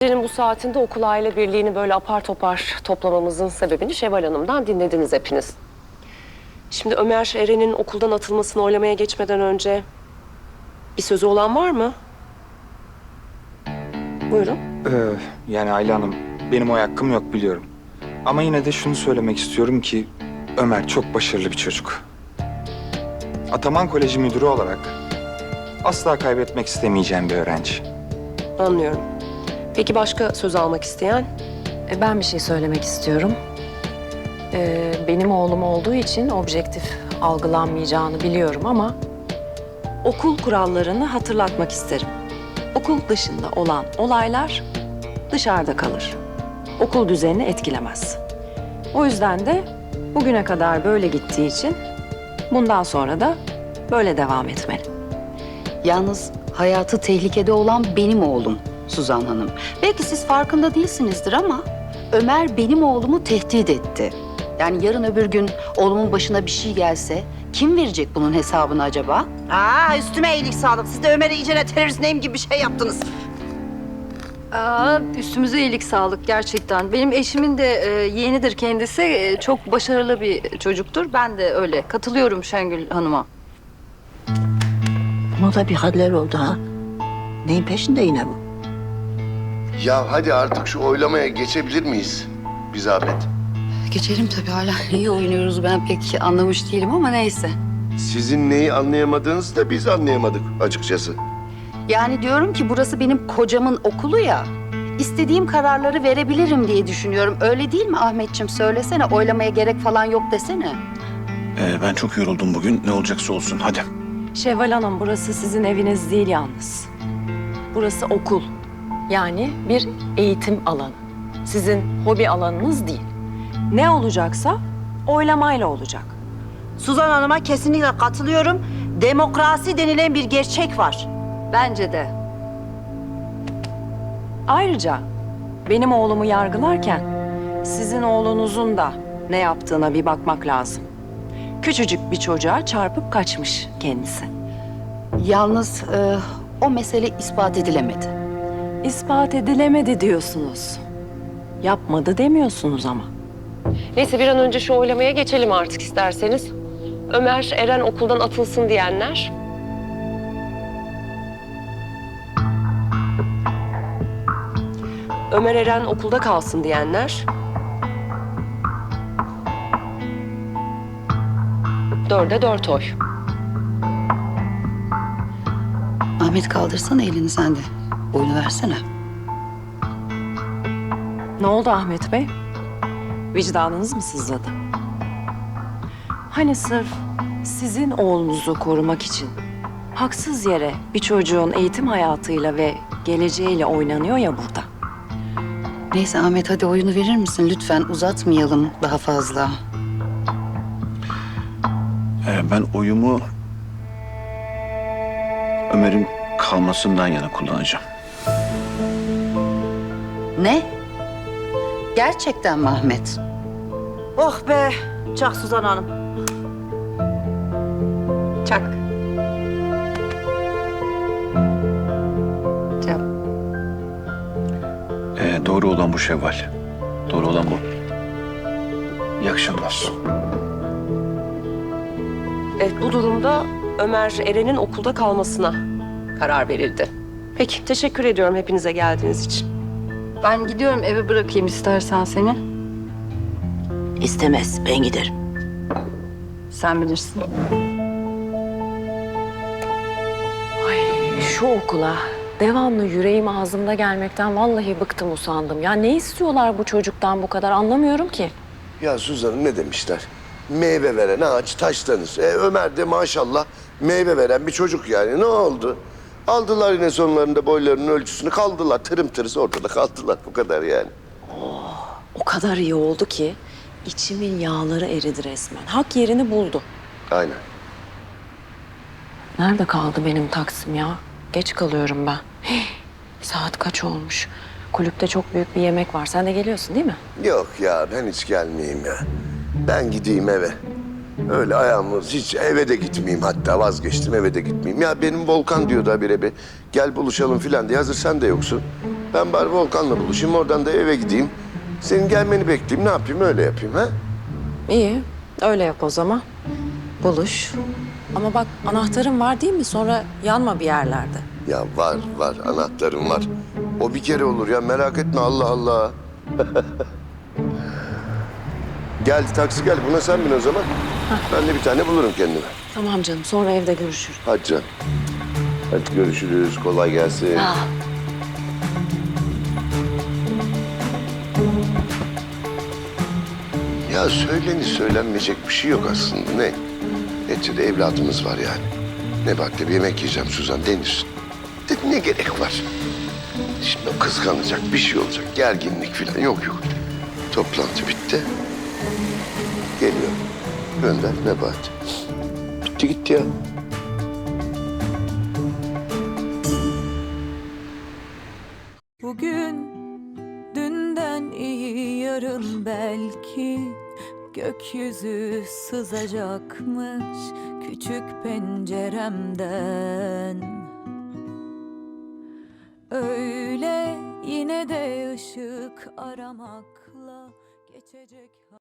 Gecenin bu saatinde okul aile birliğini böyle apar topar toplamamızın sebebini Şevval Hanım'dan dinlediniz hepiniz. Şimdi Ömer Eren'in okuldan atılmasını oylamaya geçmeden önce bir sözü olan var mı? Buyurun. Yani Ayla Hanım, benim oy hakkım yok biliyorum. Ama yine de şunu söylemek istiyorum ki Ömer çok başarılı bir çocuk. Ataman Koleji müdürü olarak asla kaybetmek istemeyeceğim bir öğrenci. Anlıyorum. Peki başka söz almak isteyen? Ben bir şey söylemek istiyorum. Benim oğlum olduğu için objektif algılanmayacağını biliyorum ama okul kurallarını hatırlatmak isterim. Okul dışında olan olaylar dışarıda kalır. Okul düzenini etkilemez. O yüzden de bugüne kadar böyle gittiği için bundan sonra da böyle devam etmeli. Yalnız hayatı tehlikede olan benim oğlum Suzan Hanım. Belki siz farkında değilsinizdir ama Ömer benim oğlumu tehdit etti. Yani yarın öbür gün oğlumun başına bir şey gelse kim verecek bunun hesabını acaba? Üstüme iyilik sağlık. Siz de Ömer'e iyicene terörist neyim gibi bir şey yaptınız. Üstümüze iyilik sağlık gerçekten. Benim eşimin de yeğenidir kendisi. Çok başarılı bir çocuktur. Ben de öyle. Katılıyorum Şengül Hanım'a. Buna da bir haller oldu ha. Neyin peşinde yine bu? Ya hadi artık şu oylamaya geçebilir miyiz? Bir zahmet. Geçelim tabii, hala iyi oynuyoruz, ben pek anlamış değilim ama neyse. Sizin neyi anlayamadığınızı da biz anlayamadık açıkçası. Yani diyorum ki burası benim kocamın okulu ya. İstediğim kararları verebilirim diye düşünüyorum. Öyle değil mi Ahmetciğim? Söylesene, oylamaya gerek falan yok desene. Ben çok yoruldum bugün. Ne olacaksa olsun. Hadi. Şevval Hanım, burası sizin eviniz değil yalnız. Burası okul. Yani bir eğitim alanı. Sizin hobi alanınız değil. Ne olacaksa oylamayla olacak. Suzan Hanım'a kesinlikle katılıyorum. Demokrasi denilen bir gerçek var. Bence de. Ayrıca benim oğlumu yargılarken sizin oğlunuzun da ne yaptığına bir bakmak lazım. Küçücük bir çocuğa çarpıp kaçmış kendisi. Yalnız o mesele ispat edilemedi. İspat edilemedi diyorsunuz. Yapmadı demiyorsunuz ama. Neyse bir an önce şu oylamaya geçelim artık isterseniz. Ömer Eren okuldan atılsın diyenler. Ömer Eren okulda kalsın diyenler. 4'e 4 oy. Ahmet, kaldırsana elini sen de. Oyunu versene. Ne oldu Ahmet Bey? Vicdanınız mı sızladı? Hani sırf sizin oğlunuzu korumak için haksız yere bir çocuğun eğitim hayatıyla ve geleceğiyle oynanıyor ya burada. Neyse Ahmet, hadi oyunu verir misin? Lütfen uzatmayalım daha fazla. Ben oyumu Ömer'in kalmasından yana kullanacağım. Ne? Gerçekten mi Ahmet? Oh be, çak Suzan Hanım. Çak. Çak. Doğru olan bu Şevval. Doğru olan bu. İyi akşamlar. Evet, bu durumda Ömer Eren'in okulda kalmasına karar verildi. Peki, teşekkür ediyorum hepinize geldiğiniz için. Ben gidiyorum, eve bırakayım istersen seni. İstemez, ben giderim. Sen bilirsin. Ay, şu okula devamlı yüreğim ağzımda gelmekten vallahi bıktım, usandım. Ya ne istiyorlar bu çocuktan bu kadar, anlamıyorum ki. Ya Suzan, ne demişler? Meyve veren ağaç taşlanır. Ömer de maşallah meyve veren bir çocuk yani. Ne oldu? Aldılar yine sonlarında boylarının ölçüsünü, kaldılar. Tırım tırıs ortada kaldılar. Bu kadar yani. O kadar iyi oldu ki içimin yağları eridi resmen. Hak yerini buldu. Aynen. Nerede kaldı benim taksim ya? Geç kalıyorum ben. Saat kaç olmuş? Kulüpte çok büyük bir yemek var. Sen de geliyorsun değil mi? Yok ya, ben hiç gelmeyeyim ya. Ben gideyim eve. Öyle ayağımız hiç eve de gitmeyeyim, hatta vazgeçtim, eve de gitmeyeyim. Ya benim Volkan diyordu habire bir gel buluşalım filan diye, hazır sen de yoksun. Ben bari Volkan'la buluşayım, oradan da eve gideyim. Senin gelmeni bekleyeyim, ne yapayım, öyle yapayım ha? İyi, öyle yap o zaman. Buluş. Ama bak anahtarın var değil mi? Sonra yanma bir yerlerde. Ya var, anahtarım var. O bir kere olur ya, merak etme, Allah Allah. Gel, taksi gel. Buna sen bin o zaman. Ben de bir tane bulurum kendime. Tamam canım, sonra evde görüşürüz. Hadi canım. Hadi görüşürüz, kolay gelsin. Ya söylenmeyecek bir şey yok aslında. Ne? Neticede evladımız var yani. Nebahat'le bir yemek yiyeceğim Suzan, denir. Ne gerek var? Şimdi o kıskanacak, bir şey olacak, gerginlik falan yok. Toplantı bitti. Geliyor. Gönder Nebahat. Bitti gitti ya. Bugün dünden iyi yarın belki gökyüzü sızacakmış küçük penceremden. Öyle yine de ışık aramakla geçecek.